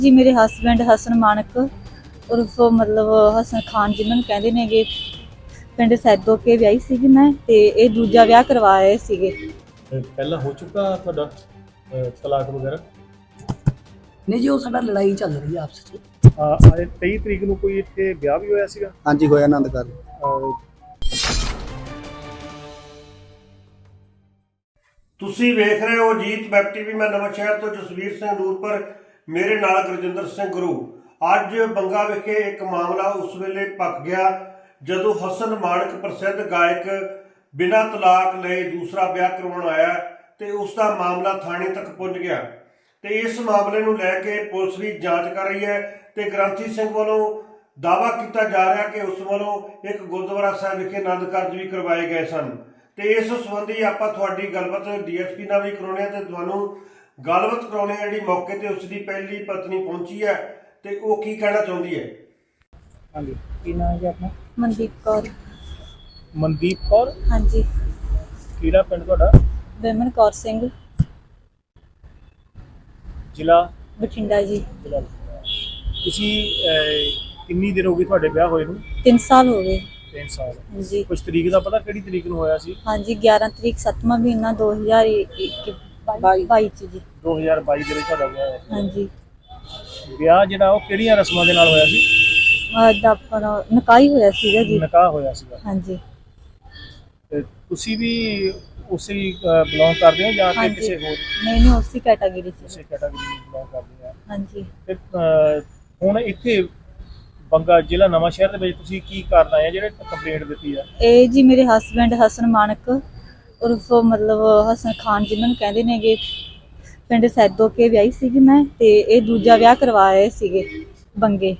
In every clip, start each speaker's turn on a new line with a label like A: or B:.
A: जी मेरे हसबैंड हसन मानक उर्फ मतलब हसन खान जिन्होंने कहते ने गे पिंड सैदो के ਵਿਆਹੀ ਸੀਗੀ ਮੈਂ ਤੇ ਇਹ ਦੂਜਾ ਵਿਆਹ ਕਰਵਾ ਰਹੇ ਸੀਗੇ।
B: ਪਹਿਲਾਂ ਹੋ ਚੁੱਕਾ ਤੁਹਾਡਾ ਤਲਾਕ ਵਗੈਰਾ?
C: नहीं जी वो साडा लड़ाई चल रही है आपस में।
B: ਆਏ 23 ਤਰੀਕ ਨੂੰ ਕੋਈ ਇੱਥੇ ਵਿਆਹ ਵੀ ਹੋਇਆ ਸੀਗਾ?
D: ਹਾਂਜੀ ਹੋਇਆ ਆਨੰਦ ਕਰ
E: ਤੁਸੀਂ ਵੇਖ ਰਹੇ ਹੋ ਜੀਤ ਵੈਬ ਟੀਵੀ। ਮੈਂ ਨਵਾਂ ਸ਼ਹਿਰ ਤੋਂ ਜਸਵੀਰ ਸਿੰਘ ਨੂਰਪੁਰ, ਮੇਰੇ ਨਾਲ ਗੁਰਜਿੰਦਰ ਸਿੰਘ ਗੁਰੂ। ਅੱਜ ਬੰਗਾ ਵਿਖੇ ਇੱਕ ਮਾਮਲਾ ਉਸ ਵੇਲੇ ਪੱਕ ਗਿਆ ਜਦੋਂ ਹਸਨ ਮਾਨਕ ਪ੍ਰਸਿੱਧ ਗਾਇਕ ਬਿਨਾਂ ਤਲਾਕ ਲਏ ਦੂਸਰਾ ਵਿਆਹ ਕਰਵਾਉਣ ਆਇਆ ਤੇ ਉਸ ਦਾ ਮਾਮਲਾ ਥਾਣੇ ਤੱਕ ਪਹੁੰਚ ਗਿਆ ਤੇ ਇਸ ਮਾਮਲੇ ਨੂੰ ਲੈ ਕੇ ਪੁਲਿਸ ਵੀ ਜਾਂਚ ਕਰ ਰਹੀ ਹੈ ਤੇ ਗ੍ਰੰਥੀ ਸਿੰਘ ਵੱਲੋਂ ਦਾਅਵਾ ਕੀਤਾ ਜਾ ਰਿਹਾ ਕਿ ਉਸ ਵੱਲੋਂ ਇੱਕ ਗੁਰਦੁਆਰਾ ਸਾਹਿਬ ਵਿਖੇ ਆਨੰਦ ਕਾਰਜ ਵੀ ਕਰਵਾਏ ਗਏ ਸਨ ਤੇ ਇਸ ਸੰਬੰਧੀ ਆਪਾਂ ਤੁਹਾਡੀ ਗੱਲਬਾਤ ਡੀਐਸਪੀ ਨਾਲ ਵੀ ਕਰਾਉਣੀ ਹੈ ਤੇ ਤੁਹਾਨੂੰ ਗੱਲਬਾਤ ਕਰਾਉਣੀ ਹੈ ਜਿਹੜੀ ਮੌਕੇ ਤੇ ਉਸ ਦੀ ਪਹਿਲੀ ਪਤਨੀ ਪਹੁੰਚੀ ਹੈ ਤੇ ਉਹ ਕੀ ਕਹਿਣਾ ਚਾਹੁੰਦੀ ਹੈ।
B: ਹਾਂਜੀ, ਕੀ ਨਾਮ ਹੈ ਆਪਣਾ?
A: ਮਨਦੀਪ ਕੌਰ।
B: ਮਨਦੀਪ ਕੌਰ?
A: ਹਾਂਜੀ।
B: ਕਿਹੜਾ ਪਿੰਡ ਤੁਹਾਡਾ?
A: ਵਿਮਨ ਕੌਰ ਸਿੰਘ,
B: ਜ਼ਿਲ੍ਹਾ?
A: ਬਠਿੰਡਾ ਜੀ।
B: ਜ਼ਿਲ੍ਹਾ। ਤੁਸੀਂ ਕਿੰਨੀ ਦੇਰ ਹੋ ਗਈ ਤੁਹਾਡੇ ਵਿਆਹ ਹੋਏ ਨੂੰ?
A: 3 ਸਾਲ ਹੋ ਗਏ।
B: 3 ਸਾਲ।
A: ਜੀ।
B: ਕੁਝ ਤਰੀਕ ਦਾ ਪਤਾ ਕਿਹੜੀ ਤਰੀਕ ਨੂੰ ਹੋਇਆ ਸੀ?
A: ਹਾਂਜੀ 11 ਤਰੀਕ 7ਵਾਂ ਮਹੀਨਾ 2022 ਚ ਜੀ।
B: 2022 ਦੇ ਵਿੱਚ ਤੁਹਾਡਾ ਵਿਆਹ ਹੋਇਆ।
A: ਹਾਂਜੀ।
B: ਵਿਆਹ ਜਿਹੜਾ ਉਹ ਕਿਹੜੀਆਂ ਰਸਮਾਂ ਦੇ ਨਾਲ ਹੋਇਆ ਸੀ?
A: ਦਾ ਆਪਣਾ ਨਿਕਾਹ ਹੀ ਹੋਇਆ ਸੀਗਾ ਜੀ।
B: ਨਿਕਾਹ ਹੋਇਆ ਸੀਗਾ।
A: ਹਾਂਜੀ।
B: ਤੇ ਤੁਸੀਂ ਵੀ ਉਸੇ ਬਿਲੋਂਗ ਕਰਦੇ ਹੋ ਜਾਂ ਕਿ
A: ਹਾਂਜੀ।
B: ਕਿਸੇ ਹੋਰ?
A: ਨਹੀਂ ਉਸੇ ਕੈਟਾਗਰੀ ਚ।
B: ਉਸੇ ਕੈਟਾਗਰੀ ਨੂੰ ਬਿਲੋਂਗ ਕਰਦੇ ਆ?
A: ਹਾਂਜੀ।
B: ਤੇ ਹੁਣ ਇੱਥੇ ਬੰਗਾ ਜ਼ਿਲ੍ਹਾ ਨਵਾਂ ਸ਼ਹਿਰ ਦੇ ਵਿੱਚ ਤੁਸੀਂ ਕੀ ਕਰਨ ਆਏ ਆ ਜਿਹੜੇ ਕੰਪਲੇਂਟ ਦਿੱਤੀ ਆ?
A: ਇਹ ਜੀ ਮੇਰੇ ਹਸਬੈਂਡ ਹਸਨ ਮਾਨਕ ਉਰਫ ਮਤਲਬ ਹਸਨ ਖਾਨ ਜਿन्होंने ਕਹਿੰਦੇ ਨੇਗੇ ਪਿੰਡ ਸੈਦੋ ਕੇ ਵਿਆਹੀ ਸੀਗੀ ਮੈਂ ਤੇ ਇਹ ਦੂਜਾ ਵਿਆਹ ਕਰਵਾ ਰਹੇ ਸੀਗੇ ਬੰਗੇ।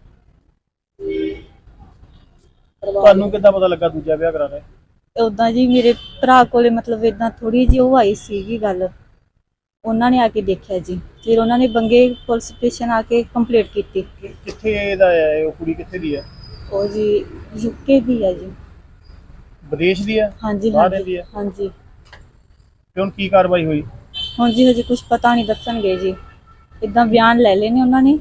B: ਤੁਹਾਨੂੰ ਕਿੱਦਾਂ ਪਤਾ ਲੱਗਾ ਦੂਜਾ ਵਿਆਹ ਕਰਾ ਰਹੇ?
A: ਉਦਾਂ ਜੀ ਮੇਰੇ ਭਰਾ ਕੋਲੇ ਮਤਲਬ ਇਦਾਂ ਥੋੜੀ ਜਿਹੀ ਉਹ ਆਈ ਸੀਗੀ ਗੱਲ, ਉਹਨਾਂ ਨੇ ਆ ਕੇ ਦੇਖਿਆ ਜੀ, ਫਿਰ ਉਹਨਾਂ ਨੇ ਬੰਗੇ ਪੁਲਿਸ ਸਟੇਸ਼ਨ ਆ ਕੇ ਕੰਪਲੇਂਟ ਕੀਤੀ।
B: ਕਿੱਥੇ ਇਹਦਾ ਹੈ? ਉਹ ਕੁੜੀ ਕਿੱਥੇ ਦੀ ਹੈ?
A: ਉਹ ਜੀ ਯੂਕੇ ਦੀ ਹੈ ਜੀ।
B: ਵਿਦੇਸ਼ ਦੀ ਹੈ?
A: ਹਾਂਜੀ
B: ਬਾਹਰ
A: ਹਾਂਜੀ
B: ਰਹਿੰਦੀ ਹੈ?
A: ਹਾਂਜੀ।
B: ਤੇ ਹੁਣ ਕੀ ਕਾਰਵਾਈ ਹੋਈ?
A: ਹੁਣ ਜੀ ਹਜੇ ਕੁਝ ਪਤਾ ਨਹੀਂ ਦੱਸਣਗੇ ਜੀ, ਇਦਾਂ ਬਿਆਨ ਲੈ ਲਏ ਨੇ ਉਹਨਾਂ ਨੇ।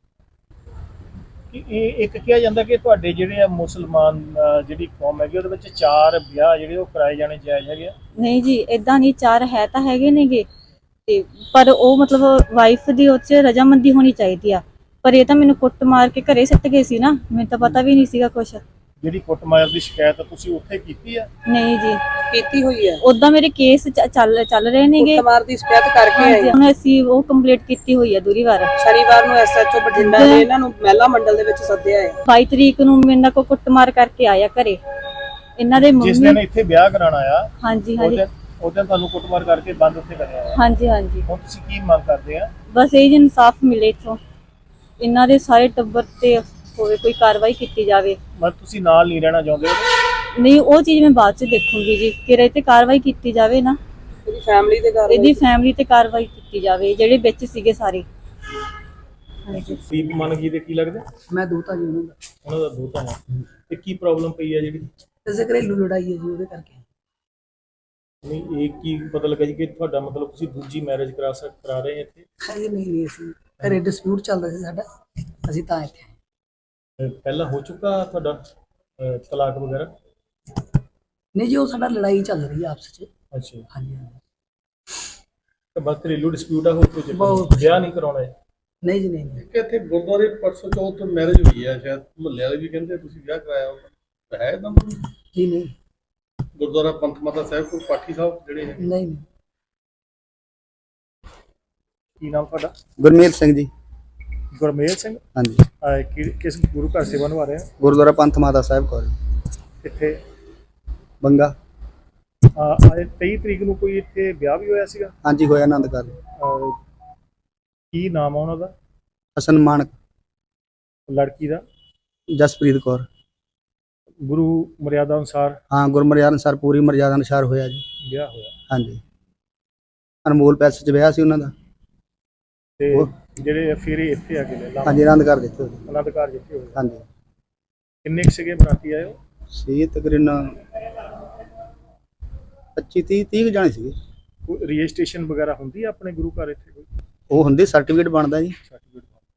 B: ਕਿ ਇਹ ਇੱਕ ਕਿਹਾ ਜਾਂਦਾ ਕਿ ਤੁਹਾਡੇ ਜਿਹੜੇ ਆ ਮੁਸਲਮਾਨ ਜਿਹੜੀ ਕੌਮ ਹੈਗੀ ਉਹਦੇ ਵਿੱਚ 4 ਵਿਆਹ ਜਿਹੜੇ ਉਹ ਕਰਾਏ ਜਾਣੇ ਜਾਇਜ਼ ਹੈਗੇ ਆ?
A: ਨਹੀਂ ਜੀ ਇਦਾਂ ਨਹੀਂ, 4 ਹੈ ਤਾਂ ਹੈਗੇ ਨੇਗੇ ਤੇ ਪਰ ਉਹ ਮਤਲਬ ਵਾਈਫ ਦੀ ਉਹ 'ਚ ਰਜਾਮੰਦੀ ਹੋਣੀ ਚਾਹੀਦੀ ਆ, ਪਰ ਇਹ ਤਾਂ ਮੈਨੂੰ ਕੁੱਟ ਮਾਰ ਕੇ ਘਰੇ ਸੱਟ ਗਏ ਸੀ ਨਾ, ਮੈਨੂੰ ਤਾਂ ਪਤਾ ਵੀ ਨਹੀਂ ਸੀਗਾ ਕੁਛ।
B: ਜਿਹੜੀ ਕੁੱਟਮਾਰ ਦੀ ਸ਼ਿਕਾਇਤ ਤੁਸੀਂ ਉੱਥੇ ਕੀਤੀ ਆ?
A: ਨਹੀਂ ਜੀ
C: ਕੀਤੀ हुई है।
A: ਉਦਾਂ ਮੇਰੇ ਕੇਸ ਚੱਲ ਰਹੇ ਨੇਗੇ।
C: कुटमार दी शिकायत करके आए
A: ਹਾਂਜੀ, ਹੁਣ ਅਸੀਂ ਉਹ ਕੰਪਲੀਟ ਕੀਤੀ ਹੋਈ ਹੈ ਦੂਰੀ ਵਾਰ।
C: शनिवार ਨੂੰ ਐਸਐਚਓ ਬਠਿੰਡਾ ਨੇ ਇਹਨਾਂ ਨੂੰ ਮਹਿਲਾ ਮੰਡਲ ਦੇ ਵਿੱਚ ਸੱਦਿਆ ਹੈ।
A: 22 ਤਰੀਕ ਨੂੰ ਮੇਰੇ ਨਾਲ ਕੋ ਕੁੱਟਮਾਰ ਕਰਕੇ ਆਇਆ ਘਰੇ ਇਹਨਾਂ ਦੇ
B: ਜਿਸ ਦਿਨ
A: ਮੰਮੀ।
B: ਇੱਥੇ ਵਿਆਹ ਕਰਾਉਣ ਆਇਆ
A: ਹਾਂਜੀ
B: ਉਹ
A: ਹਾਂਜੀ
B: ਦਿਨ ਤੁਹਾਨੂੰ ਕੁੱਟਮਾਰ ਕਰਕੇ ਬੰਦ ਉੱਥੇ ਕਰਿਆ ਆ?
A: ਹਾਂਜੀ ਹਾਂਜੀ।
B: ਹੁਣ ਤੁਸੀਂ ਕੀ ਮੰਗ ਕਰਦੇ ਆ?
A: ਬਸ ਇਹ ਜੀ ਇਨਸਾਫ ਮਿਲੇ ਇੱਥੋਂ, ਇਹਨਾਂ ਦੇ ਸਾਰੇ ਟੱਬਰ ਤੇ ਹੋਵੇ ਕੋਈ ਕਾਰਵਾਈ ਕੀਤੀ ਜਾਵੇ।
B: ਮਤਲਬ ਤੁਸੀਂ ਨਾਲ ਨਹੀਂ ਰਹਿਣਾ ਚਾਹੁੰਦੇ?
A: ਨਹੀਂ ਉਹ ਚੀਜ਼ ਮੈਂ ਬਾਅਦ ਚ ਦੇਖੂੰਗੀ ਜੀ, ਕਿ ਇਹ ਤੇ ਕਾਰਵਾਈ ਕੀਤੀ ਜਾਵੇ ਨਾ,
C: ਇਹਦੀ ਫੈਮਿਲੀ ਦੇ ਘਰ
A: ਇਹਦੀ ਫੈਮਿਲੀ ਤੇ ਕਾਰਵਾਈ ਕੀਤੀ ਜਾਵੇ ਜਿਹੜੇ ਵਿੱਚ ਸੀਗੇ ਸਾਰੇ। ਹਾਂਜੀ।
B: ਦੀਪ ਮਨ ਜੀ ਦੇ ਕੀ ਲੱਗਦਾ?
C: ਮੈਂ ਦੋਤਾ ਜੀ ਉਹਨਾਂ ਦਾ।
B: ਉਹਨਾਂ ਦਾ ਦੋਤਾ ਹੈ। ਤੇ ਕੀ ਪ੍ਰੋਬਲਮ ਪਈ ਹੈ ਜਿਹੜੀ?
C: ਇਸੇ ਘਰੇਲੂ ਲੜਾਈ ਹੈ ਜੀ ਉਹਦੇ ਕਰਕੇ।
B: ਨਹੀਂ ਇਹ ਕੀ ਪਤਾ ਲੱਗਾ ਜੀ ਕਿ ਤੁਹਾਡਾ ਮਤਲਬ ਤੁਸੀਂ ਦੂਜੀ ਮੈਰਿਜ ਕਰਾ ਰਹੇ ਇੱਥੇ?
C: ਹਜੇ ਨਹੀਂ ਅਸੀਂ ਘਰੇ ਡਿਸਪਿਊਟ ਚੱਲਦਾ ਸੀ ਸਾਡਾ, ਅਸੀਂ ਤਾਂ ਇੱਥੇ ਆਏ।
B: ਪਹਿਲਾਂ ਹੋ ਚੁੱਕਾ ਤੁਹਾਡਾ ਤਲਾਕ ਵਗੈਰਾ?
C: ਨਹੀਂ ਜੀ ਉਹ ਸਾਡਾ ਲੜਾਈ ਚੱਲ ਰਹੀ ਹੈ ਆਪਸ ਵਿੱਚ।
B: ਅੱਛਾ।
C: ਹਾਂਜੀ।
B: ਤਾਂ ਬਸ ਘਰੇਲੂ ਡਿਸਪਿਊਟ ਆ, ਹੋਰ ਕੁਝ
C: ਬਹੁਤ।
B: ਵਿਆਹ ਨਹੀਂ ਕਰਾਉਣਾ ਹੈ?
C: ਨਹੀਂ ਜੀ ਨਹੀਂ।
F: ਕਿ ਇੱਥੇ ਗੁਰਦੁਆਰੇ ਪਰਸੋਂ ਚੌਥ ਮੈਰਿਜ ਹੋਈ ਹੈ, ਸ਼ਾਇਦ ਮੁਹੱਲੇ ਵਾਲੇ ਵੀ ਕਹਿੰਦੇ ਤੁਸੀਂ ਵਿਆਹ ਕਰਾਇਆ ਹੋਊਗਾ, ਹੈ ਤਾਂ
C: ਜੀ ਨਹੀਂ।
F: ਗੁਰਦੁਆਰਾ ਪੰਥ ਮਾਤਾ ਸਾਹਿਬ ਕੋਲ ਪਾਠੀ ਸਾਹਿਬ ਜਿਹੜੇ ਹੈ?
C: ਨਹੀਂ।
B: ਕੀ ਨਾਮ ਤੁਹਾਡਾ?
D: ਗੁਰਮੀਤ ਸਿੰਘ ਜੀ।
B: ਗੁਰਮੇਲ ਸਿੰਘ?
D: ਹਾਂਜੀ।
B: ਕਿਸ ਗੁਰੂ ਘਰ ਸੇਵਾ ਨਿਭਾ ਰਹੇ ਹੋ?
D: ਗੁਰਦੁਆਰਾ ਪੰਥ ਮਾਤਾ ਸਾਹਿਬ ਕੋਲ
B: ਕਿੱਥੇ?
D: ਬੰਗਾ।
B: ਆਏ 23 ਤਰੀਕ ਨੂੰ ਕੋਈ ਇੱਥੇ ਵਿਆਹ ਵੀ ਹੋਇਆ ਸੀਗਾ?
D: ਹਾਂਜੀ ਹੋਇਆ ਆਨੰਦ ਕਰ
B: ਕੀ ਨਾਮ ਆ ਉਹਨਾਂ ਦਾ?
D: ਹਸਨ ਮਾਨਕ।
B: ਲੜਕੀ ਦਾ?
D: ਜਸਪ੍ਰੀਤ ਕੌਰ।
B: ਗੁਰੂ ਮਰਿਆਦਾ ਅਨੁਸਾਰ?
D: ਹਾਂ ਗੁਰਮਰਿਆਦ ਅਨੁਸਾਰ, ਪੂਰੀ ਮਰਿਆਦਾ ਅਨੁਸਾਰ ਹੋਇਆ ਜੀ
B: ਵਿਆਹ ਹੋਇਆ।
D: ਹਾਂਜੀ। ਅਨਮੋਲ ਪੈਲਸ 'ਚ ਵਿਆਹ ਸੀ ਉਹਨਾਂ ਦਾ।
B: ਤੇ ਜਿਹੜੇ ਫਿਰ ਇੱਥੇ ਆ ਕੇ ਲੈ
D: ਹਾਂਜੀ ਆਨੰਦ ਕਰ ਦਿੱਤੇ ਹੋਏ।
B: ਆਨੰਦ ਕਾਰਜ ਇੱਥੇ ਹੋਇਆ।
D: ਹਾਂਜੀ।
B: ਕਿੰਨੇ ਕੁ ਸੀਗੇ ਬਰਾਤੀ ਆਏ ਹੋ?
D: ਸੀ ਤਕਰੀਬਨ 25-30 ਜਾਣੇ ਸੀਗੇ।
B: ਕੋਈ ਰਜਿਸਟ੍ਰੇਸ਼ਨ ਵਗੈਰਾ ਹੁੰਦੀ ਆ ਆਪਣੇ ਗੁਰੂ ਘਰ ਇੱਥੇ ਕੋਈ?
D: ਉਹ ਹੁੰਦੇ ਸਰਟੀਫਿਕੇਟ ਬਣਦਾ ਜੀ।
B: ਸਰਟੀਫਿਕੇਟ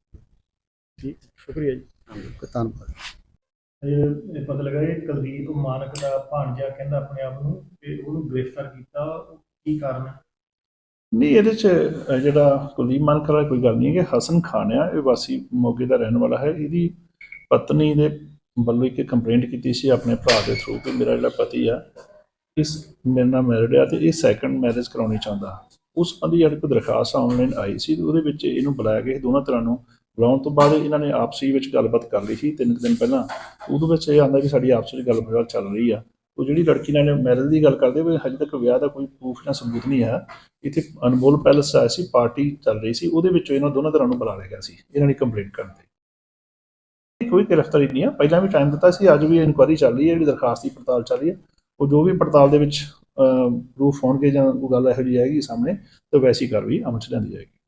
B: ਠੀਕ, ਸ਼ੁਕਰੀਆ ਜੀ।
D: ਧੰਨਵਾਦ।
B: ਇਹ ਪਤਾ ਲੱਗਾ ਇਹ ਕੁਲਦੀਪ ਮਾਨਕ ਦਾ ਭਾਣਜਾ ਕਹਿੰਦਾ ਆਪਣੇ ਆਪ ਨੂੰ ਕਿ ਉਹਨੂੰ ਗ੍ਰਿਫਤਾਰ ਕੀਤਾ, ਕੀ ਕਾਰਨ ਹੈ?
G: ਨਹੀਂ, ਇਹਦੇ 'ਚ ਜਿਹੜਾ ਕੁਲਦੀਪ ਮਾਨਕ ਵਾਲਾ ਕੋਈ ਗੱਲ ਨਹੀਂ ਹੈ ਕਿ ਹਸਨ ਖਾਨ ਆ, ਇਹ ਵਾਸੀ ਮੋਗੇ ਦਾ ਰਹਿਣ ਵਾਲਾ ਹੈ। ਇਹਦੀ ਪਤਨੀ ਦੇ ਵੱਲੋਂ ਇੱਕ ਕੰਪਲੇਂਟ ਕੀਤੀ ਸੀ ਆਪਣੇ ਭਰਾ ਦੇ ਥਰੂ ਕਿ ਮੇਰਾ ਜਿਹੜਾ ਪਤੀ ਆ ਇਸ ਮੇਰੇ ਨਾਲ ਮੈਰਿਡ ਆ ਅਤੇ ਇਹ ਸੈਕੰਡ ਮੈਰਿਜ ਕਰਾਉਣੀ ਚਾਹੁੰਦਾ। ਉਸ ਸੰਬੰਧੀ ਜਿਹੜੀ ਕੋਈ ਦਰਖਾਸਤ ਆਨਲਾਈਨ ਆਈ ਸੀ, ਉਹਦੇ ਵਿੱਚ ਇਹਨੂੰ ਬੁਲਾਇਆ ਗਿਆ ਸੀ। ਦੋਨਾਂ ਤਰ੍ਹਾਂ ਨੂੰ ਬੁਲਾਉਣ ਤੋਂ ਬਾਅਦ ਇਹਨਾਂ ਨੇ ਆਪਸੀ ਵਿੱਚ ਗੱਲਬਾਤ ਕਰ ਲਈ ਸੀ 3 ਦਿਨ ਪਹਿਲਾਂ। ਉਹਦੇ ਵਿੱਚ ਇਹ ਆਉਂਦਾ ਕਿ ਸਾਡੀ ਆਪਸ ਵਿੱਚ ਗੱਲਬਾਤ ਚੱਲ ਰਹੀ ਆ। ਉਹ ਜਿਹੜੀ ਲੜਕੀ ਨਾਲ ਮੈਰਿਜ ਦੀ ਗੱਲ ਕਰਦੇ ਹੋਏ ਹਜੇ ਤੱਕ ਵਿਆਹ ਦਾ ਕੋਈ ਪ੍ਰੂਫ ਜਾਂ ਸਬੂਤ ਨਹੀਂ ਹੈ। ਇੱਥੇ ਅਨਮੋਲ ਪੈਲਸ ਆਇਆ ਸੀ, ਪਾਰਟੀ ਚੱਲ ਰਹੀ ਸੀ, ਉਹਦੇ ਵਿੱਚੋਂ ਇਹਨਾਂ ਦੋਨਾਂ ਤਰ੍ਹਾਂ ਨੂੰ ਬੁਲਾ ਲਿਆ ਗਿਆ ਸੀ ਇਹਨਾਂ ਨੇ ਕੰਪਲੇਂਟ ਕਰਨ ਤੇ। ਕੋਈ ਗ੍ਰਿਫਤਾਰੀ ਨਹੀਂ ਆ, ਪਹਿਲਾਂ ਵੀ ਟਾਈਮ ਦਿੱਤਾ ਸੀ, ਅੱਜ ਵੀ ਇਨਕੁਆਇਰੀ ਚੱਲ ਰਹੀ ਹੈ, ਜਿਹੜੀ ਦਰਖਾਸਤ ਦੀ ਪੜਤਾਲ ਚੱਲ ਰਹੀ ਹੈ। ਉਹ ਜੋ ਵੀ ਪੜਤਾਲ ਦੇ ਵਿੱਚ ਪ੍ਰੂਫ ਹੋਣਗੇ ਜਾਂ ਕੋਈ ਗੱਲ ਇਹੋ ਜਿਹੀ ਆਏਗੀ ਸਾਹਮਣੇ ਤਾਂ ਵੈਸੀ ਕਾਰਵਾਈ ਅਮਲ 'ਚ ਲਿਆਂਦੀ ਜਾਏਗੀ।